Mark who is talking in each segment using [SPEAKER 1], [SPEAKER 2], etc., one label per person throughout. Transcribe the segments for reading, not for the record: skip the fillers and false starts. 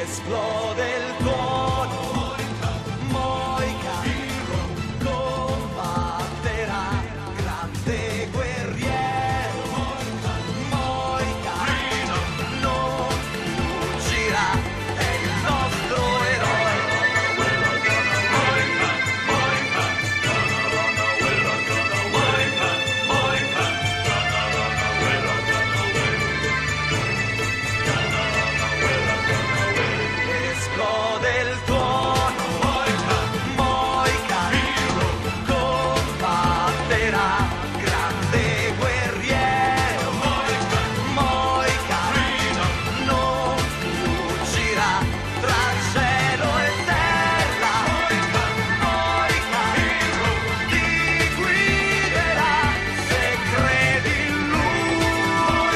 [SPEAKER 1] esplode il tuono, Moica combatterà, grande guerriero, Moica non fuggirà, è il nostro eroe. Esplode il tuono, Moica combatterà, grande guerriero, Moica non fuggirà, tra cielo e terra, Moica ti guiderà, se credi in lui.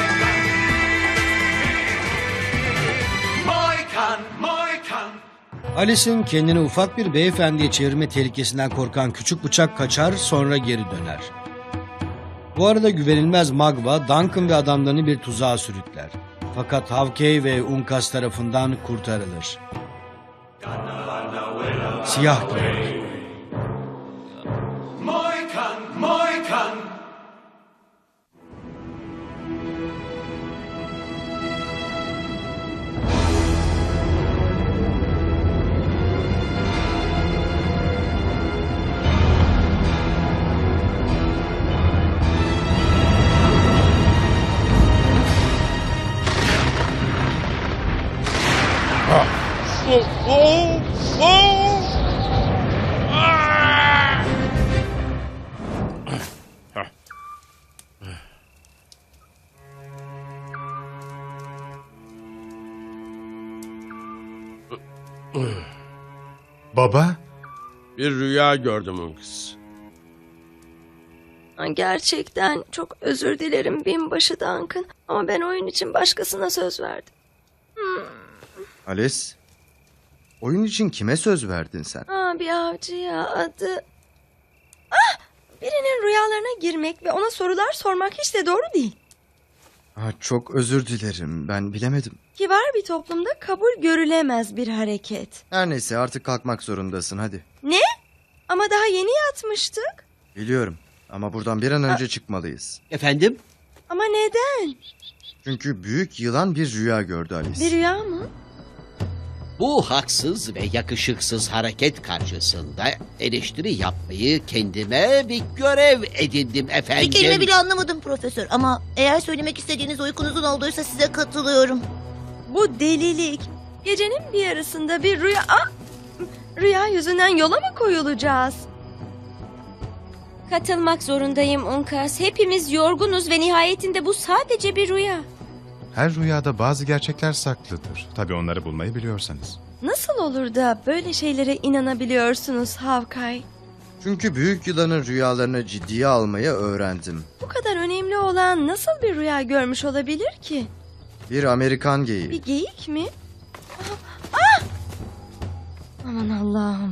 [SPEAKER 1] Moican, Moican.
[SPEAKER 2] Alice'in kendini ufak bir beyefendiye çevirme tehlikesinden korkan küçük bıçak kaçar, sonra geri döner. Bu arada güvenilmez Magva, Duncan ve adamlarını bir tuzağa sürükler. Fakat Havkey ve Unkas tarafından kurtarılır. Siyah Güvenlik.
[SPEAKER 1] Moican, Moican.
[SPEAKER 3] Baba,
[SPEAKER 4] Bir rüya gördüm Unkas.
[SPEAKER 5] Gerçekten çok özür dilerim binbaşı Duncan. Ama ben oyun için başkasına söz verdim.
[SPEAKER 6] Alice, oyun için kime söz verdin sen?
[SPEAKER 5] Bir avcıya adı... Birinin rüyalarına girmek ve ona sorular sormak hiç de doğru değil.
[SPEAKER 6] Çok özür dilerim, ben bilemedim.
[SPEAKER 5] Kibar bir toplumda kabul görülemez bir hareket.
[SPEAKER 6] Her neyse artık kalkmak zorundasın, hadi.
[SPEAKER 5] Ne? Ama daha yeni yatmıştık.
[SPEAKER 6] Biliyorum ama buradan bir an önce çıkmalıyız.
[SPEAKER 2] Efendim?
[SPEAKER 5] Ama neden?
[SPEAKER 6] Çünkü büyük yılan bir rüya gördü Alice.
[SPEAKER 5] Bir rüya mı?
[SPEAKER 7] Bu haksız ve yakışıksız hareket karşısında eleştiri yapmayı kendime bir görev edindim efendim.
[SPEAKER 8] Bir kelime bile anlamadım profesör ama eğer söylemek istediğiniz uykunuzun olduysa size katılıyorum.
[SPEAKER 5] Bu delilik. Gecenin bir yarısında bir rüya... Rüya yüzünden yola mı koyulacağız?
[SPEAKER 9] Katılmak zorundayım Unkas. Hepimiz yorgunuz ve nihayetinde bu sadece bir rüya.
[SPEAKER 3] her rüyada bazı gerçekler saklıdır. Tabii onları bulmayı biliyorsanız.
[SPEAKER 5] Nasıl olur da böyle şeylere inanabiliyorsunuz Havkay?
[SPEAKER 6] Çünkü büyük yılanın rüyalarını ciddiye almayı öğrendim.
[SPEAKER 5] Bu kadar önemli olan nasıl bir rüya görmüş olabilir ki?
[SPEAKER 6] Bir Amerikan geyiği.
[SPEAKER 5] Bir geyik mi? Ah! Aman Allah'ım.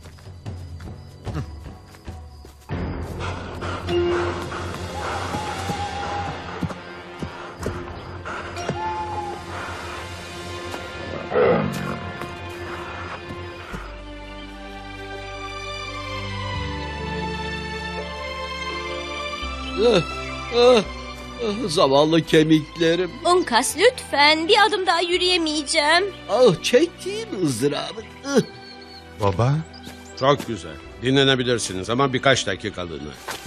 [SPEAKER 7] Zavallı kemiklerim.
[SPEAKER 9] Unkas lütfen, bir adım daha yürüyemeyeceğim.
[SPEAKER 7] Çektiğim ızdırabı.
[SPEAKER 3] Baba,
[SPEAKER 4] Çok güzel. Dinlenebilirsiniz ama birkaç dakikalığına.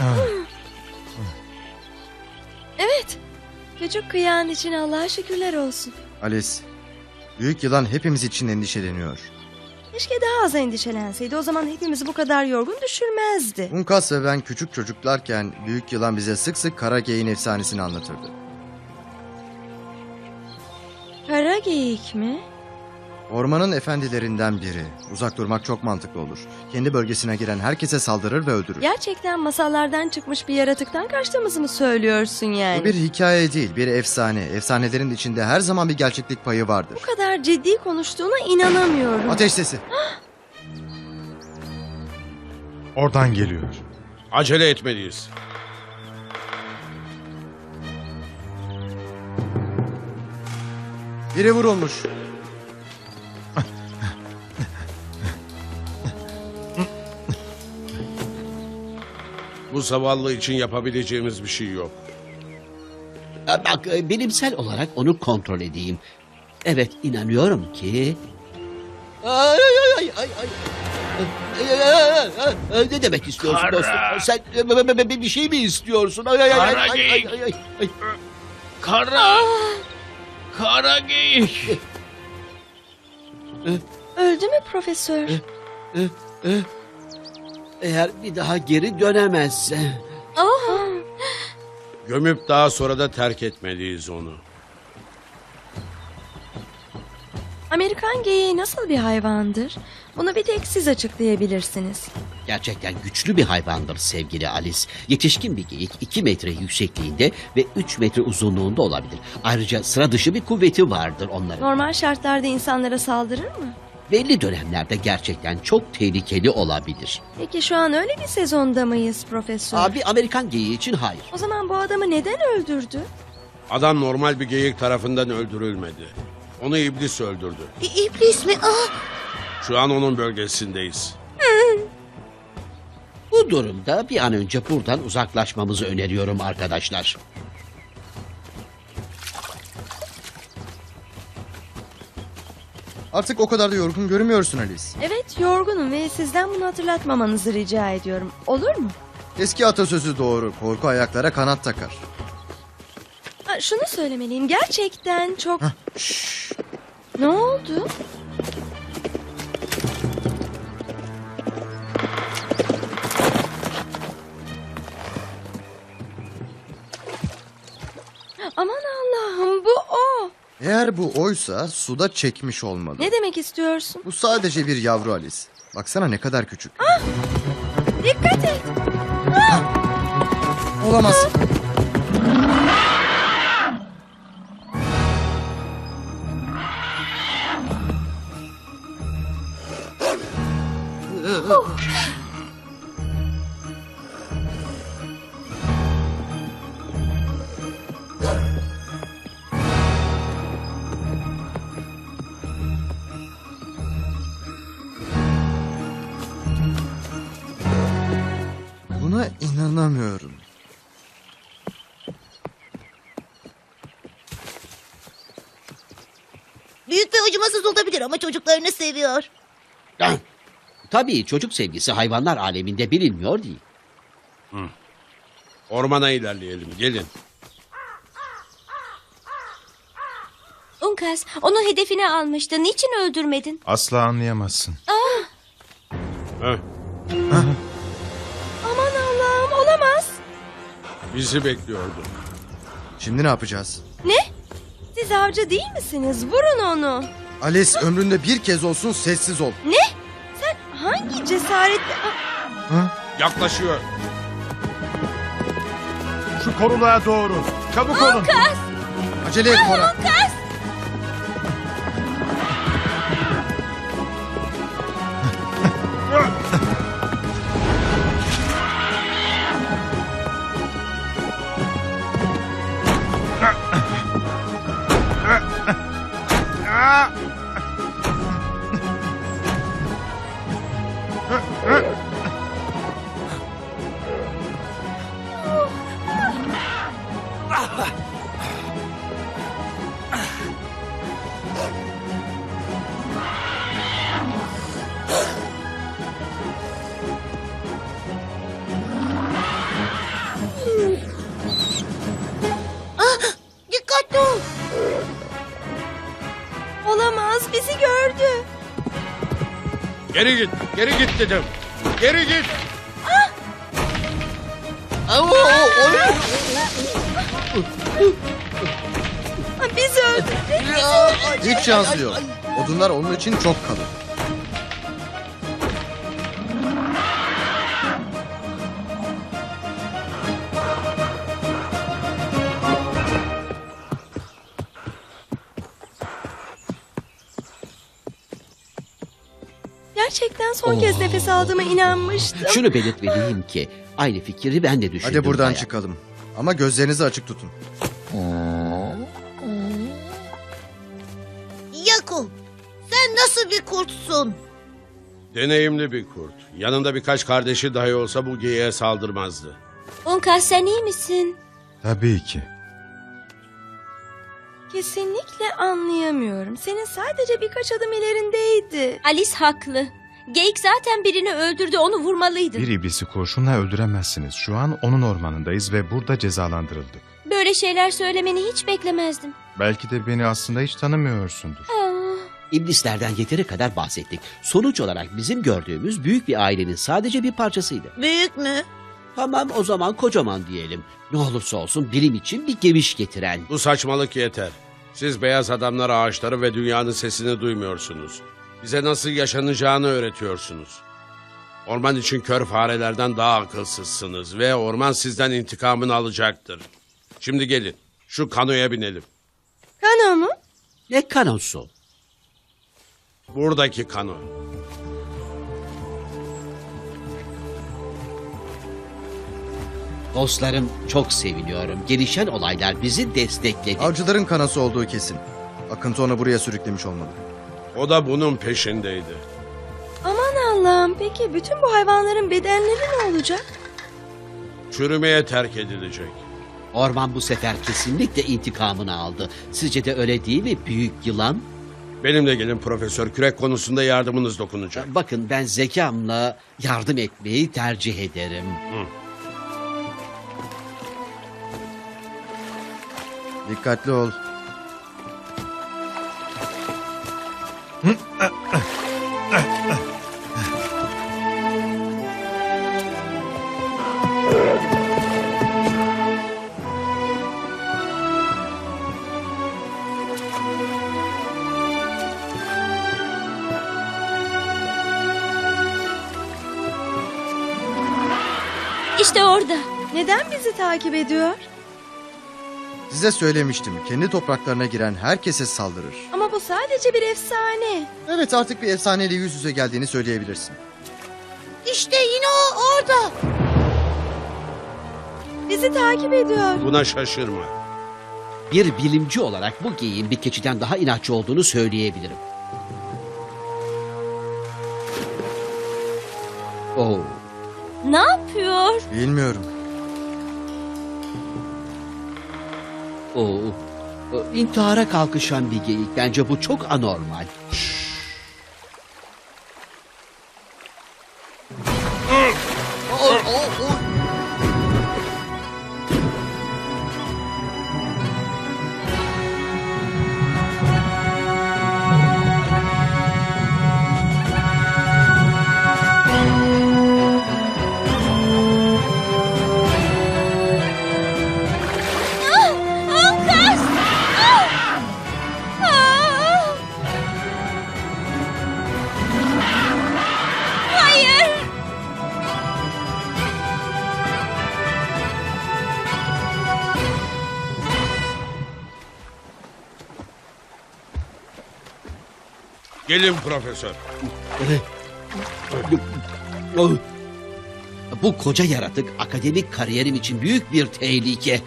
[SPEAKER 5] Evet. Küçük kıyağın için Allah'a şükürler olsun.
[SPEAKER 6] Alice, büyük yılan hepimiz için endişeleniyor.
[SPEAKER 5] Keşke daha az endişelenseydi. O zaman hepimizi bu kadar yorgun düşürmezdi.
[SPEAKER 6] Unkas ve ben küçük çocuklarken büyük yılan bize sık sık kara geyiğin efsanesini anlatırdı.
[SPEAKER 5] Kara geyik mi?
[SPEAKER 6] Ormanın efendilerinden biri. Uzak durmak çok mantıklı olur. Kendi bölgesine giren herkese saldırır ve öldürür.
[SPEAKER 5] Gerçekten masallardan çıkmış bir yaratıktan kaçtığımızı mı söylüyorsun yani?
[SPEAKER 6] Bu bir hikaye değil, bir efsane. Efsanelerin içinde her zaman bir gerçeklik payı vardır.
[SPEAKER 5] Bu kadar ciddi konuştuğuna inanamıyorum.
[SPEAKER 6] Ateş sesi.
[SPEAKER 3] oradan geliyor.
[SPEAKER 4] Acele etmeliyiz.
[SPEAKER 6] Biri vurulmuş.
[SPEAKER 4] Bu zavallı için yapabileceğimiz bir şey yok.
[SPEAKER 7] Bak, bilimsel olarak onu kontrol edeyim. Evet, inanıyorum ki... Ay, ay, ay, ay, ay. Ne demek istiyorsun dostum? Sen bir şey mi istiyorsun? Ay, ay, ay, ay, ay, ay, ay, ay.
[SPEAKER 10] Kara geyik.
[SPEAKER 5] Öldü mü profesör?
[SPEAKER 7] Eğer bir daha geri dönemezse...
[SPEAKER 5] Oh.
[SPEAKER 4] Gömüp daha sonra da terk etmeliyiz onu.
[SPEAKER 5] Amerikan geyiği nasıl bir hayvandır? Bunu bir tek siz açıklayabilirsiniz.
[SPEAKER 7] Gerçekten güçlü bir hayvandır sevgili Alice. Yetişkin bir geyik 2 metre yüksekliğinde ve 3 metre uzunluğunda olabilir. Ayrıca sıra dışı bir kuvveti vardır onların.
[SPEAKER 5] Normal şartlarda insanlara saldırır mı?
[SPEAKER 7] Belli dönemlerde gerçekten çok tehlikeli olabilir.
[SPEAKER 5] Peki şu an öyle bir sezonda mıyız profesör?
[SPEAKER 7] Abi Amerikan geyiği için hayır.
[SPEAKER 5] O zaman bu adamı neden öldürdü?
[SPEAKER 4] Adam normal bir geyik tarafından öldürülmedi. Onu iblis öldürdü.
[SPEAKER 8] İblis mi? Ah!
[SPEAKER 4] Şu an onun bölgesindeyiz.
[SPEAKER 7] Bu durumda bir an önce buradan uzaklaşmamızı öneriyorum arkadaşlar.
[SPEAKER 6] Artık o kadar da yorgun görünmüyorsun Alice.
[SPEAKER 5] Evet, yorgunum ve sizden bunu hatırlatmamanızı rica ediyorum. Olur mu?
[SPEAKER 6] Eski atasözü doğru. Korku ayaklara kanat takar.
[SPEAKER 5] Ha, şunu söylemeliyim. Gerçekten çok... Ne oldu? Aman Allah'ım, bu o.
[SPEAKER 6] Eğer bu oysa suda çekmiş olmalı.
[SPEAKER 5] Ne demek istiyorsun?
[SPEAKER 6] Bu sadece bir yavru Alice. Baksana ne kadar küçük.
[SPEAKER 5] Dikkat et.
[SPEAKER 6] Olamaz. Buna inanamıyorum.
[SPEAKER 8] Büyük ve acımasız olabilir ama çocuklarını seviyor.
[SPEAKER 7] Ah, tabii çocuk sevgisi hayvanlar aleminde bilinmiyor değil.
[SPEAKER 4] Ormana ilerleyelim, gelin.
[SPEAKER 9] Unkas, onu hedefine almıştı. Niçin öldürmedin?
[SPEAKER 3] Asla anlayamazsın.
[SPEAKER 4] Heh,
[SPEAKER 5] Aman Allah'ım, olamaz.
[SPEAKER 4] bizi bekliyordu.
[SPEAKER 6] Şimdi ne yapacağız?
[SPEAKER 5] Ne? Siz avcı değil misiniz? Vurun onu.
[SPEAKER 6] Alice ömründe bir kez olsun sessiz ol.
[SPEAKER 5] Ne? Sen hangi cesaretle...
[SPEAKER 4] Yaklaşıyor.
[SPEAKER 3] Şu koruluğa doğru. Çabuk olun.
[SPEAKER 6] Acele et Cora.
[SPEAKER 8] Dikkatli ol.
[SPEAKER 5] Olamaz, bizi gördü.
[SPEAKER 4] Geri git, geri git dedim. Geri git.
[SPEAKER 5] Ha, bizi öldürdü.
[SPEAKER 6] Hiç şansı yok. Odunlar onun için çok kalın.
[SPEAKER 5] Gerçekten son kez nefes aldığıma inanmıştım.
[SPEAKER 7] Şunu belirtmeliyim ki aynı fikri ben de düşündüm.
[SPEAKER 6] Hadi buradan
[SPEAKER 7] bayağı.
[SPEAKER 6] çıkalım. Ama gözlerinizi açık tutun.
[SPEAKER 8] Yaku, sen nasıl bir kurtsun?
[SPEAKER 4] Deneyimli bir kurt. Yanında birkaç kardeşi dahi olsa bu geyiğe saldırmazdı.
[SPEAKER 9] Unkas sen iyi misin?
[SPEAKER 3] Tabii ki.
[SPEAKER 5] Kesinlikle anlayamıyorum. Senin sadece birkaç adım ilerindeydi.
[SPEAKER 9] Alice haklı. Geyik zaten birini öldürdü, onu vurmalıydın.
[SPEAKER 3] Bir iblisi kurşunla öldüremezsiniz. Şu an onun ormanındayız ve burada cezalandırıldık.
[SPEAKER 9] Böyle şeyler söylemeni hiç beklemezdim.
[SPEAKER 3] Belki de beni aslında hiç tanımıyorsundur.
[SPEAKER 9] Ah,
[SPEAKER 7] İblislerden yeteri kadar bahsettik. Sonuç olarak bizim gördüğümüz büyük bir ailenin sadece bir parçasıydı.
[SPEAKER 8] Büyük mü?
[SPEAKER 7] Tamam, o zaman kocaman diyelim. Ne olursa olsun bilim için bir geviş getiren.
[SPEAKER 4] Bu saçmalık yeter. Siz beyaz adamlar ağaçları ve dünyanın sesini duymuyorsunuz. Bize nasıl yaşanacağını öğretiyorsunuz. Orman için kör farelerden daha akılsızsınız ve orman sizden intikamını alacaktır. Şimdi gelin, şu kanoya binelim.
[SPEAKER 5] Kano mu?
[SPEAKER 7] Ne kanosu?
[SPEAKER 4] Buradaki kano.
[SPEAKER 7] Dostlarım, çok seviniyorum. Gelişen olaylar bizi destekledi.
[SPEAKER 6] Avcıların kanası olduğu kesin. Akıntı onu buraya sürüklemiş olmalı.
[SPEAKER 4] O da bunun peşindeydi.
[SPEAKER 5] Aman Allah'ım, peki bütün bu hayvanların bedenleri ne olacak?
[SPEAKER 4] Çürümeye terk edilecek.
[SPEAKER 7] Orman bu sefer kesinlikle intikamını aldı. Sizce de öyle değil mi büyük yılan?
[SPEAKER 4] Benimle gelin profesör, kürek konusunda yardımınız dokunacak.
[SPEAKER 7] Bakın, ben zekamla yardım etmeyi tercih ederim.
[SPEAKER 6] Dikkatli ol.
[SPEAKER 9] İşte orada.
[SPEAKER 5] Neden bizi takip ediyor?
[SPEAKER 6] Size söylemiştim. Kendi topraklarına giren herkese saldırır.
[SPEAKER 5] Ama bu sadece bir efsane.
[SPEAKER 6] Evet, artık bir efsaneyle yüz yüze geldiğini söyleyebilirsin.
[SPEAKER 8] İşte yine o orada.
[SPEAKER 5] Bizi takip ediyor.
[SPEAKER 4] Buna şaşırma.
[SPEAKER 7] Bir bilimci olarak bu geyiğin bir keçiden daha inatçı olduğunu söyleyebilirim. Oo.
[SPEAKER 9] Ne yapıyor?
[SPEAKER 6] Bilmiyorum.
[SPEAKER 7] Oo. İntihara kalkışan bir geyik. Bence bu çok anormal.
[SPEAKER 9] Unkas! Hayır!
[SPEAKER 4] Gelin profesör.
[SPEAKER 7] Bu koca yaratık akademik kariyerim için büyük bir tehlike.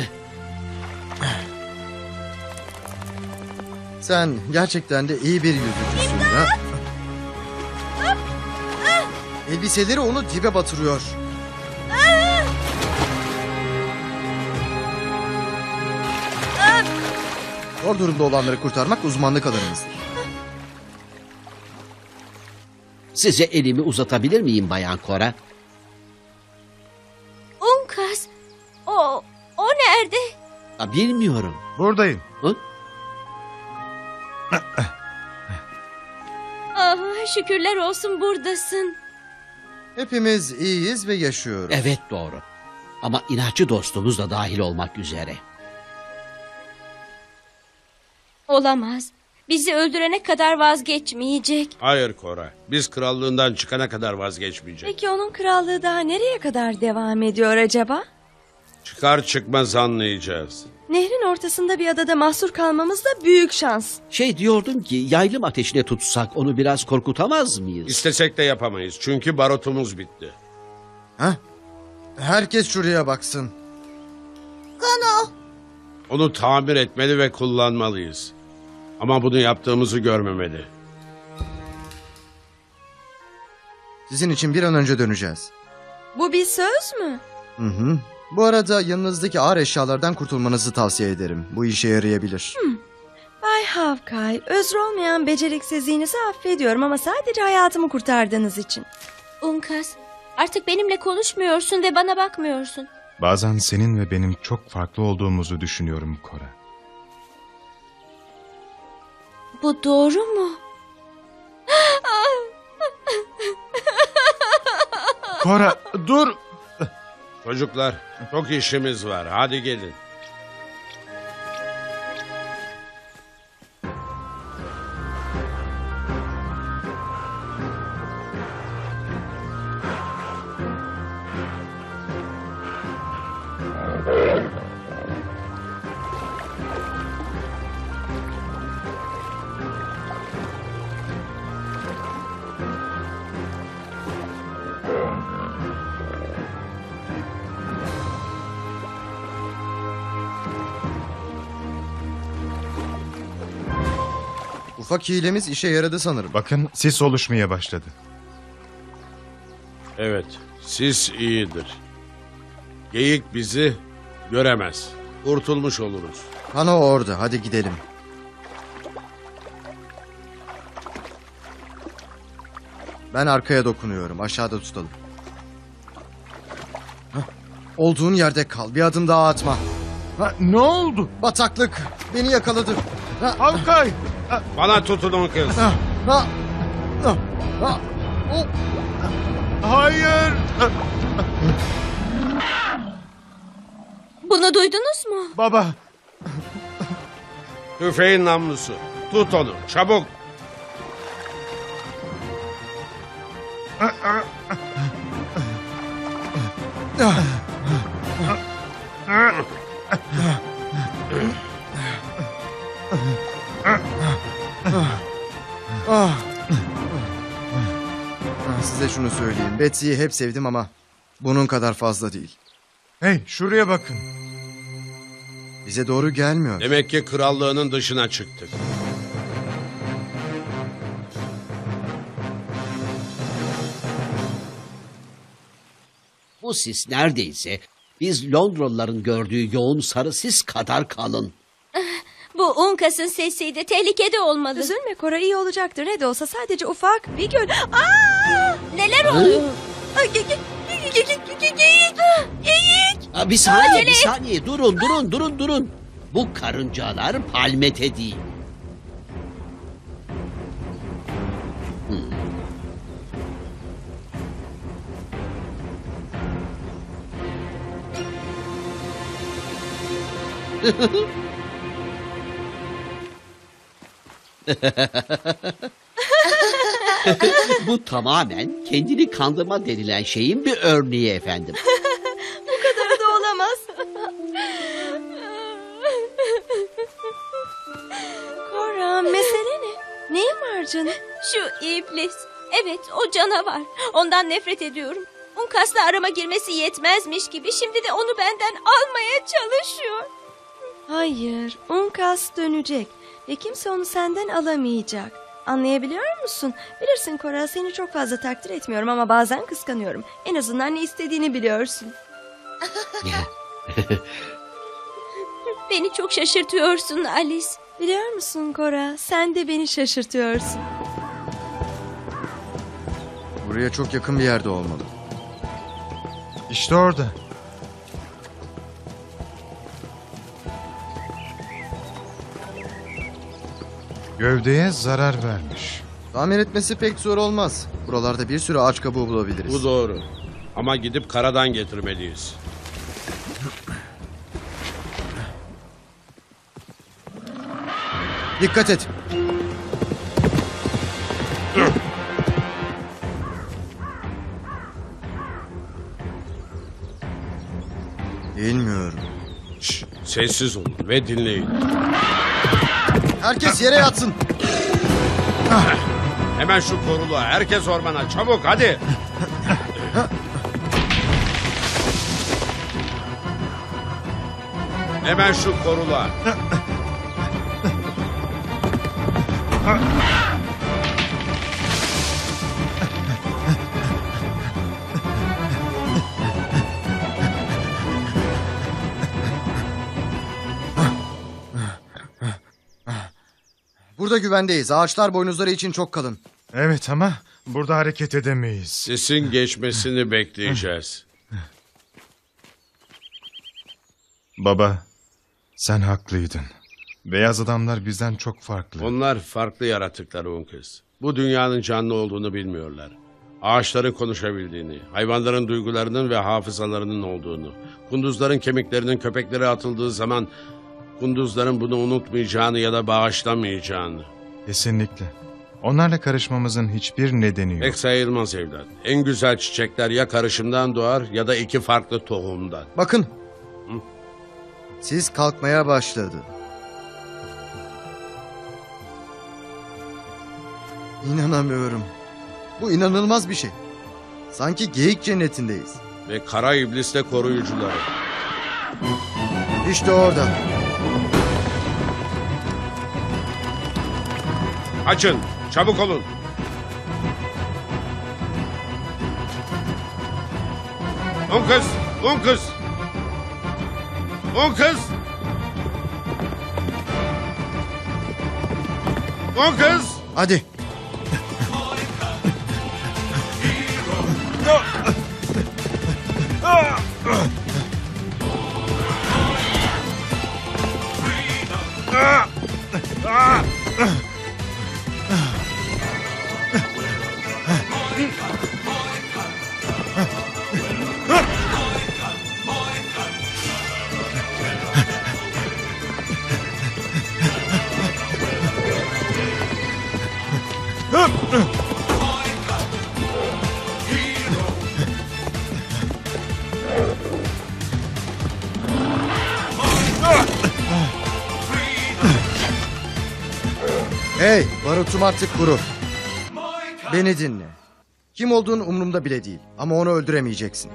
[SPEAKER 6] Sen gerçekten de iyi bir yüzücüsün ha? Elbiseleri onu dibe batırıyor. Zor durumda olanları kurtarmak uzmanlık alanımızdır.
[SPEAKER 7] Size elimi uzatabilir miyim Bayan Cora?
[SPEAKER 9] Unkas! O nerede?
[SPEAKER 7] Bilmiyorum.
[SPEAKER 3] Buradayım.
[SPEAKER 7] Hı?
[SPEAKER 9] Ah, şükürler olsun buradasın.
[SPEAKER 6] Hepimiz iyiyiz ve yaşıyoruz.
[SPEAKER 7] Evet, doğru. Ama inatçı dostumuz da dahil olmak üzere.
[SPEAKER 9] Olamaz. Bizi öldürene kadar vazgeçmeyecek.
[SPEAKER 4] Hayır Kora, biz krallığından çıkana kadar vazgeçmeyecek.
[SPEAKER 5] Peki onun krallığı daha nereye kadar devam ediyor acaba?
[SPEAKER 4] Çıkar çıkmaz anlayacağız.
[SPEAKER 5] Nehrin ortasında bir adada mahsur kalmamız da büyük şans.
[SPEAKER 7] Diyordum ki yaylım ateşine tutsak onu biraz korkutamaz mıyız?
[SPEAKER 4] İstesek de yapamayız çünkü barotumuz bitti.
[SPEAKER 6] Ha? Herkes şuraya baksın.
[SPEAKER 8] Kano.
[SPEAKER 4] Onu tamir etmeli ve kullanmalıyız. Ama bunu yaptığımızı görmemeli.
[SPEAKER 6] Sizin için bir an önce döneceğiz.
[SPEAKER 5] Bu bir söz mü?
[SPEAKER 6] Hı hı. Bu arada yanınızdaki ağır eşyalardan kurtulmanızı tavsiye ederim. Bu işe yarayabilir.
[SPEAKER 5] Bay Havkay, özrü olmayan beceriksizliğinizi affediyorum ama sadece hayatımı kurtardığınız için.
[SPEAKER 9] Unkas, artık benimle konuşmuyorsun ve bana bakmıyorsun.
[SPEAKER 3] Bazen senin ve benim çok farklı olduğumuzu düşünüyorum Cora.
[SPEAKER 9] Bu doğru mu?
[SPEAKER 3] Cora dur!
[SPEAKER 4] Çocuklar, çok işimiz var. Hadi gelin.
[SPEAKER 6] Ufak hilemiz işe yaradı sanırım.
[SPEAKER 3] Bakın sis oluşmaya başladı.
[SPEAKER 4] Evet, sis iyidir. Geyik bizi göremez. Kurtulmuş oluruz.
[SPEAKER 6] Kano orada. Hadi gidelim. Ben arkaya dokunuyorum. Aşağıda tutalım. Hah. Olduğun yerde kal. Bir adım daha atma.
[SPEAKER 3] Ne oldu?
[SPEAKER 6] Bataklık. Beni yakaladı.
[SPEAKER 3] Havkay!
[SPEAKER 4] Bana tutunun kız.
[SPEAKER 6] Ha, ha, ha, ha. Oh.
[SPEAKER 3] Hayır!
[SPEAKER 9] Bunu duydunuz mu?
[SPEAKER 3] Baba!
[SPEAKER 4] Tüfeğin namlusu. Tut onu, çabuk.
[SPEAKER 6] Ah. Size şunu söyleyeyim. Betsy'yi hep sevdim ama bunun kadar fazla değil.
[SPEAKER 3] Hey şuraya bakın.
[SPEAKER 6] Bize doğru gelmiyor.
[SPEAKER 4] Demek ki krallığının dışına çıktık.
[SPEAKER 7] Bu sis neredeyse biz Londralıların gördüğü yoğun sarı sis kadar kalın.
[SPEAKER 9] Bu Unkas'ın sesiydi. Tehlikede olmalı.
[SPEAKER 5] Üzülme Cora, iyi olacaktır. Ne de olsa sadece ufak bir göl. Aa!
[SPEAKER 9] Neler oluyor?
[SPEAKER 5] Ay, Geyik!
[SPEAKER 7] Bir saniye, bir saniye. Durun. Bu karıncalar palmete değil. Bu tamamen kendini kandırma denilen şeyin bir örneği efendim.
[SPEAKER 5] Bu kadarı da olamaz. Cora, mesele ne? Neyin var canım?
[SPEAKER 9] Şu iblis. Evet, o canavar. Ondan nefret ediyorum. Unkas'la arama girmesi yetmezmiş gibi şimdi de onu benden almaya çalışıyor.
[SPEAKER 5] Hayır, Unkas dönecek ve kimse onu senden alamayacak. Anlayabiliyor musun? Bilirsin Cora, seni çok fazla takdir etmiyorum ama bazen kıskanıyorum. En azından ne istediğini biliyorsun.
[SPEAKER 9] Beni çok şaşırtıyorsun Alice.
[SPEAKER 5] Biliyor musun Cora, sen de beni şaşırtıyorsun.
[SPEAKER 6] Buraya çok yakın bir yerde olmalı.
[SPEAKER 3] İşte orada. Gövdeye zarar vermiş.
[SPEAKER 6] Tamir etmesi pek zor olmaz. Buralarda bir sürü ağaç kabuğu bulabiliriz.
[SPEAKER 4] Bu doğru. Ama gidip karadan getirmeliyiz.
[SPEAKER 6] Dikkat et. Bilmiyorum.
[SPEAKER 4] Şş, sessiz olun ve dinleyin.
[SPEAKER 6] Herkes yere yatsın.
[SPEAKER 4] Hemen şu koruluğa, herkes ormana, çabuk hadi. Hemen şu koruluğa.
[SPEAKER 6] Burada güvendeyiz. Ağaçlar boynuzları için çok kalın.
[SPEAKER 3] Evet ama burada hareket edemeyiz.
[SPEAKER 4] Sesin geçmesini bekleyeceğiz.
[SPEAKER 3] Baba, sen haklıydın. Beyaz adamlar bizden çok farklı.
[SPEAKER 4] Onlar farklı yaratıklar Unkız. Bu dünyanın canlı olduğunu bilmiyorlar. Ağaçların konuşabildiğini, hayvanların duygularının ve hafızalarının olduğunu, kunduzların kemiklerinin köpeklere atıldığı zaman kunduzların bunu unutmayacağını ya da bağışlamayacağını.
[SPEAKER 3] Kesinlikle. Onlarla karışmamızın hiçbir nedeni yok.
[SPEAKER 4] Pek sayılmaz evlat. En güzel çiçekler ya karışımdan doğar ya da iki farklı tohumdan.
[SPEAKER 6] Bakın. Siz kalkmaya başladı. İnanamıyorum. Bu inanılmaz bir şey. Sanki geyik cennetindeyiz.
[SPEAKER 4] Ve kara iblisle koruyucuları.
[SPEAKER 6] İşte orada.
[SPEAKER 4] Açın, çabuk olun. Unkız, Unkız. Unkız. Unkız.
[SPEAKER 6] Hadi. Hey, barutum artık kuru. Beni dinle. Kim olduğun umurumda bile değil. Ama onu öldüremeyeceksin.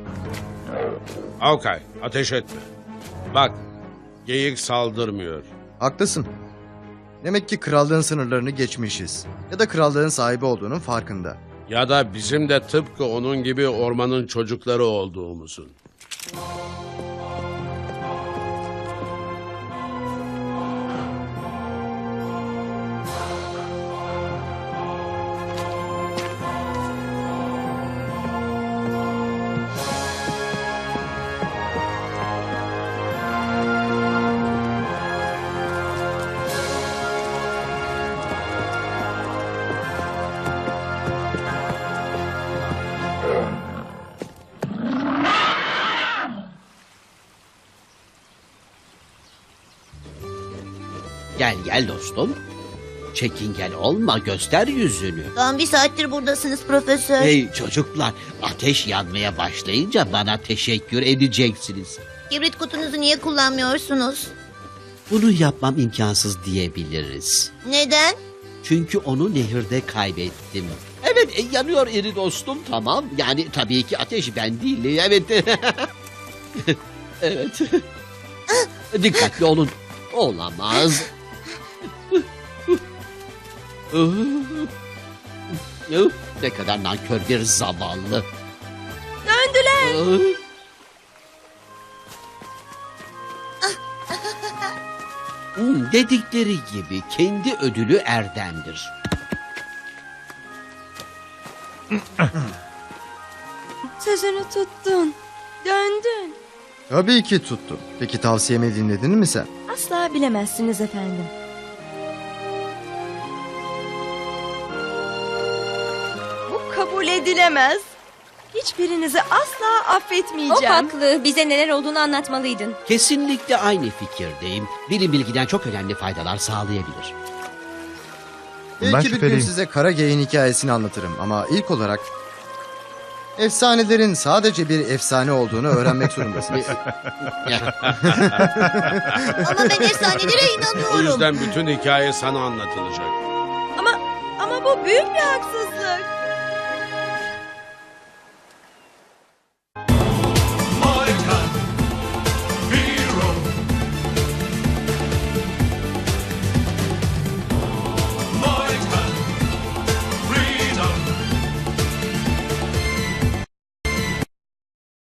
[SPEAKER 4] Avkay, ateş etme. Bak, geyik saldırmıyor.
[SPEAKER 6] Haklısın. Demek ki krallığın sınırlarını geçmişiz. Ya da krallığın sahibi olduğunun farkında.
[SPEAKER 4] Ya da bizim de tıpkı onun gibi ormanın çocukları olduğumuzun.
[SPEAKER 7] Gel gel dostum. Çekingen olma, göster yüzünü.
[SPEAKER 8] Tam bir saattir buradasınız profesör.
[SPEAKER 7] Hey çocuklar, ateş yanmaya başlayınca bana teşekkür edeceksiniz.
[SPEAKER 8] Kibrit kutunuzu niye kullanmıyorsunuz?
[SPEAKER 7] Bunu yapmam imkansız diyebiliriz.
[SPEAKER 8] Neden?
[SPEAKER 7] Çünkü onu nehirde kaybettim. Evet, yanıyor iri dostum, tamam. Yani tabii ki ateş ben değil, evet. Evet. Dikkatli olun. Olamaz. Ne kadar nankör bir zavallı.
[SPEAKER 5] Döndüler.
[SPEAKER 7] Dedikleri gibi kendi ödülü erdemdir.
[SPEAKER 5] Sözünü tuttun. Döndün.
[SPEAKER 6] Tabii ki tuttum. Peki tavsiyemi dinledin mi sen?
[SPEAKER 5] Asla bilemezsiniz efendim. Bu kabul edilemez. Hiçbirinizi asla
[SPEAKER 9] O
[SPEAKER 5] affetmeyeceğim.
[SPEAKER 9] haklı. Bize neler olduğunu anlatmalıydın.
[SPEAKER 7] Kesinlikle aynı fikirdeyim. Bilim bilgiden çok önemli faydalar sağlayabilir.
[SPEAKER 3] Ben
[SPEAKER 6] Belki bir gün
[SPEAKER 3] şüpheliyim.
[SPEAKER 6] size kara geyin hikayesini anlatırım. Ama ilk olarak efsanelerin sadece bir efsane olduğunu öğrenmek zorundasınız.
[SPEAKER 8] Ama ben efsanelere
[SPEAKER 4] O
[SPEAKER 8] inanıyorum.
[SPEAKER 4] yüzden bütün hikaye sana anlatılacak.
[SPEAKER 5] Ama bu büyük bir haksızlık.